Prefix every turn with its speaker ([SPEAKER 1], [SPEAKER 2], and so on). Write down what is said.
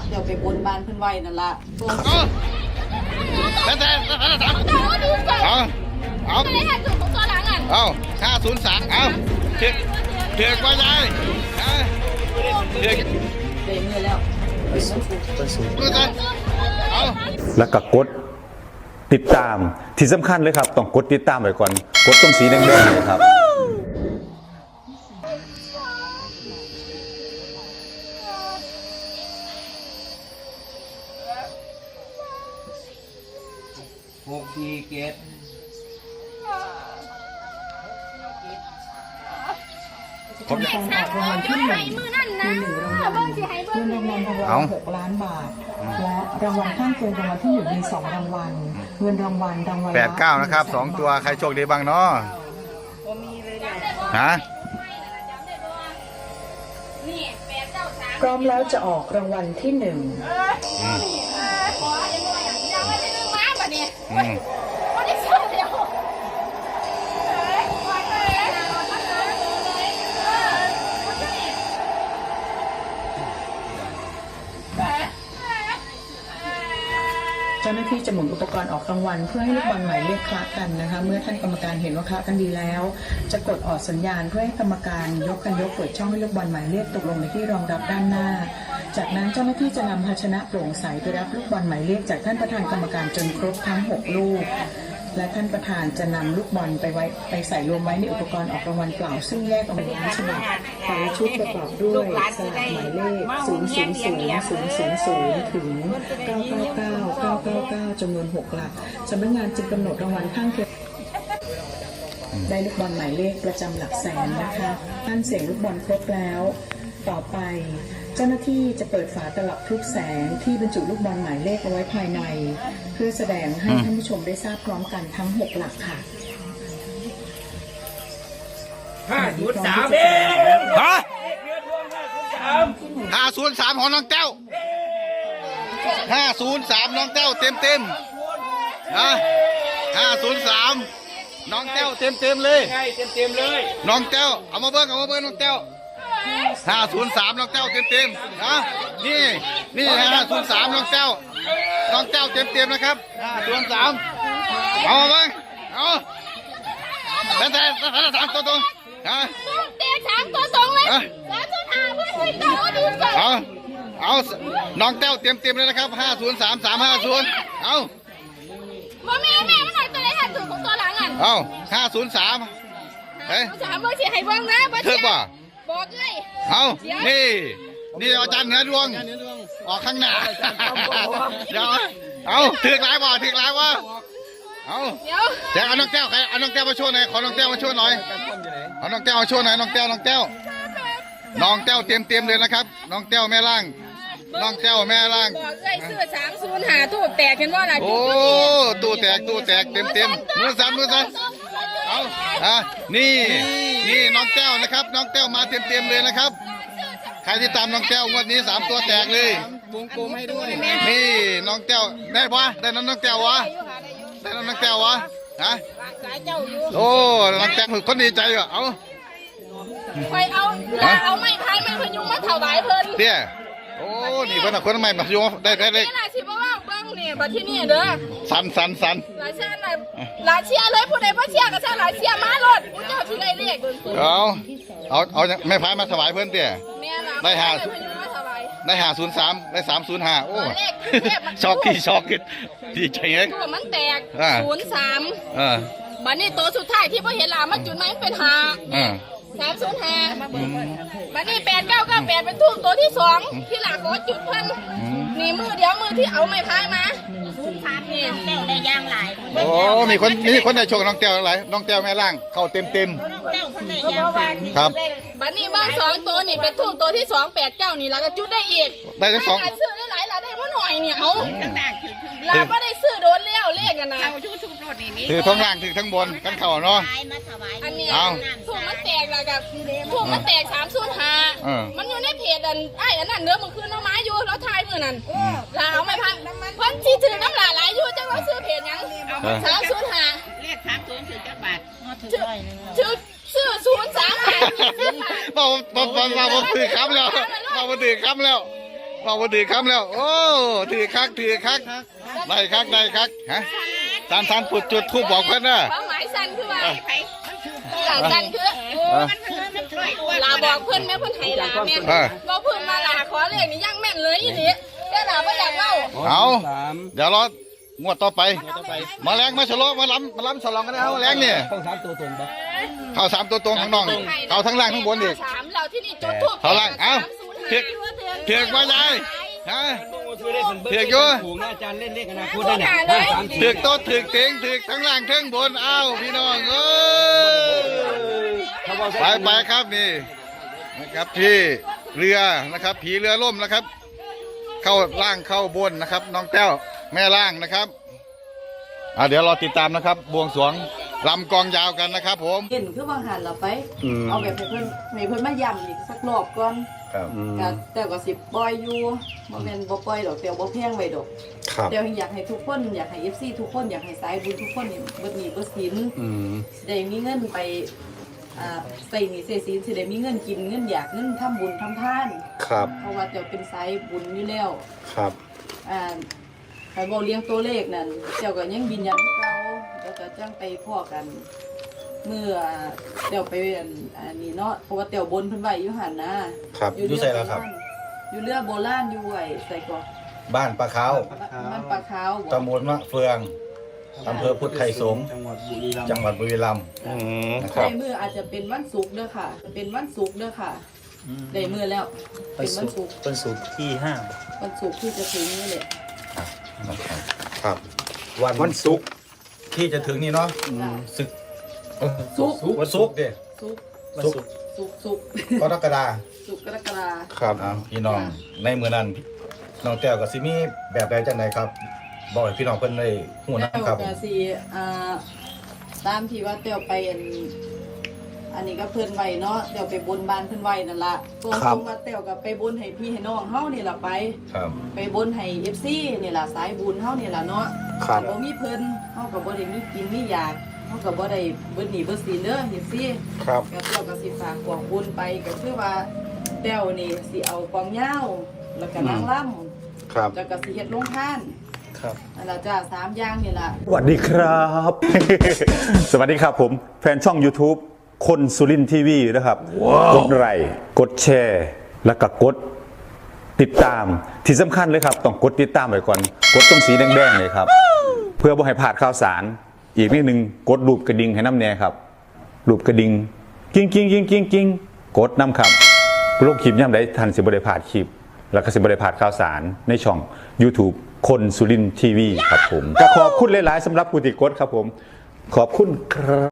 [SPEAKER 1] เดี๋ยวไปบนบ้านเพิ่นไว้นั่นล่ะ
[SPEAKER 2] แต่เอา503เอาเถือกว่าไงเถือก
[SPEAKER 1] เต็มเลยแล้ว
[SPEAKER 2] เอา
[SPEAKER 3] แล้วก็กดติดตามที่สำคัญเลยครับต้องกดติดตามไว้ก่อนกดตรงสีแดงๆเลยครับ
[SPEAKER 4] 6 4 7
[SPEAKER 1] ผมจะออกรางวัลที่1มี1รางวัลเงินรางวัลรางวัล6 ล้านบาทและรางวัลข้างเคียงรางวัลที่1มี2รางวัลเงินรางวัล
[SPEAKER 2] 89นะครับ2ตัวใครโชคดีบ้างเนาะฮะ
[SPEAKER 1] พร้อมแล้วจะออกรางวัลที่1เจ้าหน้าที่จะหมุนอุปกรณ์ออกรางวัลเพื่อให้ลูกบอลหมายเลขคละกันนะคะเมื่อท่านกรรมการเห็นว่าคละกันดีแล้วจะกดออกสัญญาณเพื่อให้กรรมการยกเปิดช่องให้ลูกบอลหมายเลขตกลงในที่รองรับด้านหน้าจากนั้นเจ้าหน้าที่จะนำภาชนะโปร่งใสไปรับลูกบอลหมายเลขจากท่านประธานกรรมการจนครบทั้ง6ลูกและท่านประธานจะนำลูกบอลไปใส่รวมไว้ในอุปกรณ์ออกรางวัลเปล่าซึ่งแยกออกเป็นฉบับแต่ละชุดประกอบด้วยสลากหมายเลข0000000ถึง999999จำนวน6หลักสำนักงานจึงกำหนดรางวัลข้างเคียงได้ลูกบอลหมายเลขประจำหลักแสนนะคะท่านเสียงลูกบอลครบแล้วต่อไปเจ้าหน้าที่จะเปิดฝาตลับทุกแสงที่บรรจุลูกบอลหมายเลขเอาไว้ภายในเพื่อแสดงให้ท่านผู้ชมได้ทราบพร้อมกันทั้ง6หลักค่ะ
[SPEAKER 4] 503
[SPEAKER 2] ฮะ503ของน้องแต้ว503น้องแต้วเต็มนะ503น้องแต้วเต็มเลย
[SPEAKER 4] เลย
[SPEAKER 2] น้องแต้วเอามาเบิ้งน้องแต้ว503น้องแต้วเต็มนะนี่503น้องแต้วเต็มนะครับ503เอามาเบิ้งเอาแต่3ตัวตรงฮะ
[SPEAKER 5] แต่3ตัวตรงเลย305เพื่อนคุยต่อดูก่อน
[SPEAKER 2] เอาน้องแต้วเต็มเลยนะครับ503 350เอา
[SPEAKER 5] แม่มันหน่อยตัวไหนหันถูกของตัวหลังอ่ะ
[SPEAKER 2] เอา503เฮ้ย
[SPEAKER 5] 3เบอร์4ให้บ้างนะเบอร์4บอกเลย
[SPEAKER 2] เอานี่อาจารย์เหนือดวงออกข้างหน้าเดี๋ยวเอาถึกหลายวะเอาเดี๋ยวเอาน้องแก้วเอาน้องแก้วมาช่วยหน่อยขอน้องแก้วมาช่วยหน่อยเอาน้องแก้วมาช่วยหน่อยน้องแก้วเต็มเลยนะครับน้องแก้วแม่ล่างบอกเลย
[SPEAKER 5] เสื้อ305ตู้แตกเห็นว่าอะไร
[SPEAKER 2] โอ้ตู้แตกเต็มมือสั่นเอานี่น้องแก้วนะครับน้องแก้วมาเต็มเลยนะครับใครที่ตามน้องแก้วงวดนี้3ตัวแตกเลยว
[SPEAKER 4] งกลมให้ด้วย
[SPEAKER 2] นี่น้องแก้วได้ปะได้น้องแก้ววะฮะโอ้น้องแก้วคนดีใจอ่ะเอา
[SPEAKER 5] ไปเอาไม้พายมันพยุงมาถวายเพิ่น
[SPEAKER 2] เตี้ยโอ้นี่คนใหม่มาพยุงได้
[SPEAKER 5] นี่ล่ะสิบ่ว่าเบิ่งนี่บัดที่นี่เด้อ
[SPEAKER 2] สัน
[SPEAKER 5] หลายเชียร์เลยผู้ใดบ่เชียร์ก็ซะหลายเชียร์มารถผู้เจ้าสิได้เลข
[SPEAKER 2] เอาไม่พายมาถวายเพิ่นเตี้ยได้503ได้305โอ้ช็อกดีใจเอง
[SPEAKER 5] มันแตก03บัดนี้ตัวสุดท้ายที่บ่เห็นล่ะมันจุดไหนเป็น305บัดนี้8998เป็นทูบตัวที่2ที่หลักขอจุดเพิ่นนี่มือเดียวมือที่เอาไม้พายมา03นี่แต้วได้ย่างหลาย
[SPEAKER 2] โอ้มีคนได้โชคน้องแต้วหลายน้องแต้วแม่ล่างเข้าเต็ม
[SPEAKER 5] แต้วเพิ่นได้ย่าง
[SPEAKER 2] ครับ
[SPEAKER 5] บัดนี้บ้าน2ตัวนี่เป็นทูบตัวที่289นี่แล้วก็จุดได้อีก
[SPEAKER 2] ได้ทั้ง2
[SPEAKER 5] ซื้อได้หลายล่ะได้บ่หน่อยเนี่ยเอาล่ะบ่ได้ซื้อโดนแล้วเลขกันนะเอายูทูบรถนี่
[SPEAKER 2] ถือทั้งล่างถือทั้งบนกันเข้าเนาะ
[SPEAKER 5] อันนี้ทูบมันแตกแล้วก็ทูบมันแตก305มันอยู่ในเพจอันนั้นเด้อมันคือน้ำไม้อยู่แล้วทายมื้อนั้นล่ะเอาไม่พังเพิ่นสิถือน้ำหลายอยู่จังว่าซื้อเพจหยัง305
[SPEAKER 6] เลข30ถึงจักบาทถือร้อยนึง
[SPEAKER 5] ซื้อ035
[SPEAKER 2] บอกถือคำแล้วบอกว่าถือคำแล้ว โอ้ถือคักได้คักฮะสันปุดจุดทูบบอกเพื่อนนะ
[SPEAKER 5] ความหมายสั้นคือว่าสั้นคือลาบอกเพื่อนแม่เพื่อนไห้ลาแม่บอกเพื่อนมาลาขอเรื่องนี้ยังแม่นเลยอีนี่แต่ลาไม่อยากเล่า
[SPEAKER 2] เอาเดี๋ยวรองวดต่อไป มาแรงมาฉลองมาล้ำฉลองกันนะมาแรงเนี่ย
[SPEAKER 4] ต้อง3ตัวตรงปะ
[SPEAKER 2] เข้า3ตัวตรงข้างนอกเข้าทั้งล่างทั้งบนอีก
[SPEAKER 5] สามเราที่นี่จุดทูบ
[SPEAKER 2] เข้าล่างเอ้าเถือกมาใหญ่ฮะ เถือกอยู่
[SPEAKER 4] ถูกนะอาจารย์เล่นเลขอนาคตได้เนี่ย5 3
[SPEAKER 2] ถือกโต๊ะถือกเตียงถือกทั้งล่างทั้งบนเอ้าพี่น้องเอ้ยไปครับนี่นะครับที่เรือนะครับผีเรือล่มนะครับ เข้าล่างเข้าบนนะครับ น้องแต้วแม่ล่างนะครับเดี๋ยวเราติดตามนะครับบวงสรวงลำกองยาวกันนะครับผม
[SPEAKER 7] เห็นคือวางหันเราไป เอาแบบให้เพิ่นมาย้ำอีกสักรอบก่อน
[SPEAKER 2] ครับ
[SPEAKER 7] ก็แต่ก็สิปล่อยอยู่บ่แม่นบ่ปล่อยดอกแต่บ่แพงไว้ดอก
[SPEAKER 3] ครับ
[SPEAKER 7] แต่อยากให้ทุกคนอยากให้ FC ทุกคนอยากให้สายบุญทุกคนนี่เบิดหนี้เบิดสินได้มีเงินไปใส่หนี้ใส่สินสิได้มีเงินกินเงินอยากเงินทำบุญทำทาน
[SPEAKER 3] ครับ
[SPEAKER 7] เพราะว่าเจ้าเป็นสายบุญอยู่แล้ว
[SPEAKER 3] ครับ
[SPEAKER 7] ใครบอกเลี้ยงตัวเลขนั่นเจ้าก็ยังบินยันเก่าแล้วก็จังไปพ่อกันเมื่อเตียวไปอันนี้เนาะเพราะว่าเตียวบนเพิ่นไว้อยู่หันนะครับ
[SPEAKER 3] อยู่ไสล่ะครับ
[SPEAKER 7] อยู่เรือโบราณอยู่ไว้ใส่ก่อน
[SPEAKER 3] บ้านปลาขาว
[SPEAKER 7] มันปลาขาวบ่
[SPEAKER 3] ตำบลมะเฟืองอำเภอพุทธไทยสงฆ์
[SPEAKER 4] จังหวัดบุรีรัมย์
[SPEAKER 3] จังหวัดบุรีรัมย์นะครับ
[SPEAKER 7] ในมืออาจจะเป็นวันศุกร์เด้อค่ะ เป็นวันศุกร์เด้อค่ะได้มือแล้วเป็นวันศุกร์
[SPEAKER 8] เป็นสูตรที่ห้า
[SPEAKER 7] วันศุกร์ที่จะถึงนี่แหละ
[SPEAKER 3] ครับ วันศุกร์ที่จะถึงนี่เนาะศึก
[SPEAKER 7] ศุกร์
[SPEAKER 3] วันศุกร์ดิ
[SPEAKER 7] ศุกร์
[SPEAKER 8] วันศุกร์
[SPEAKER 7] ศุกร์
[SPEAKER 3] กรกฎา
[SPEAKER 7] ศุกร์กรกฎาคม
[SPEAKER 3] ครับพี่น้องในมือนั้นน้องแต้วกับซิมีแบบใดจังใดครับบอกให้พี่น้องเพิ่นได้ฮู้
[SPEAKER 7] แล้
[SPEAKER 3] นะ
[SPEAKER 7] ว
[SPEAKER 3] ครับ
[SPEAKER 7] ก็สิตามที่ว่าเตียวไปอันนี้ก็เพิ่นไว้เนาะเตียวไปบนบานเพิ่นไว้นั่นล่ะตรงตรงว่าเตียวก็ไปบนให้พี่ให้น้องเฮานี่ล่ะไป
[SPEAKER 3] ครับ
[SPEAKER 7] ไปบนให้ FC นี่ล่ะสายบุญเฮานี่ล่ะเนาะ
[SPEAKER 3] ครับ
[SPEAKER 7] บ่มีเพิ่นเฮาก็บ่ได้มีกินมีอยากเฮาก็บ่ได้เบิดหนี้เบิดสินเด้อ FC
[SPEAKER 3] ครับ
[SPEAKER 7] ก็เตียวก็สิฝากกองบุญไปก็คือว่าเตียวนี่สิเอากองยาวแล้วก็นางรำ
[SPEAKER 3] ครับ
[SPEAKER 7] แล้วก็สิเฮ็ดโรงทาน
[SPEAKER 3] ครับ
[SPEAKER 7] นั่นล่ะจ้า3อย่างนี่ล่ะ
[SPEAKER 3] สวัสดีครับ สวัสดีครับผม แฟนช่อง YouTube คนสุรินทีวีนะครับ กดไลค์กดแชร์ แล้วก็กดติดตามที่สำคัญเลยครับ ต้องกดติดตามไว้ก่อน กดตรงสีแดงๆเลยครับ เพื่อบ่ให้พลาดข่าวสาร อีกนิดนึงกดรูปกระดิ่งให้น้ำแน่ครับรูปกระดิ่งกิ้งกดน้ำครับโลกคลิปย่ำได้ทันสิบได้พลาดคลิป แล้วก็สิบได้พลาดข่าวสารในช่อง YouTube คนสุรินทีวีครับผมก็ขอบคุณหลายๆสำหรับผู้ติดกดครับผมขอบคุณครับ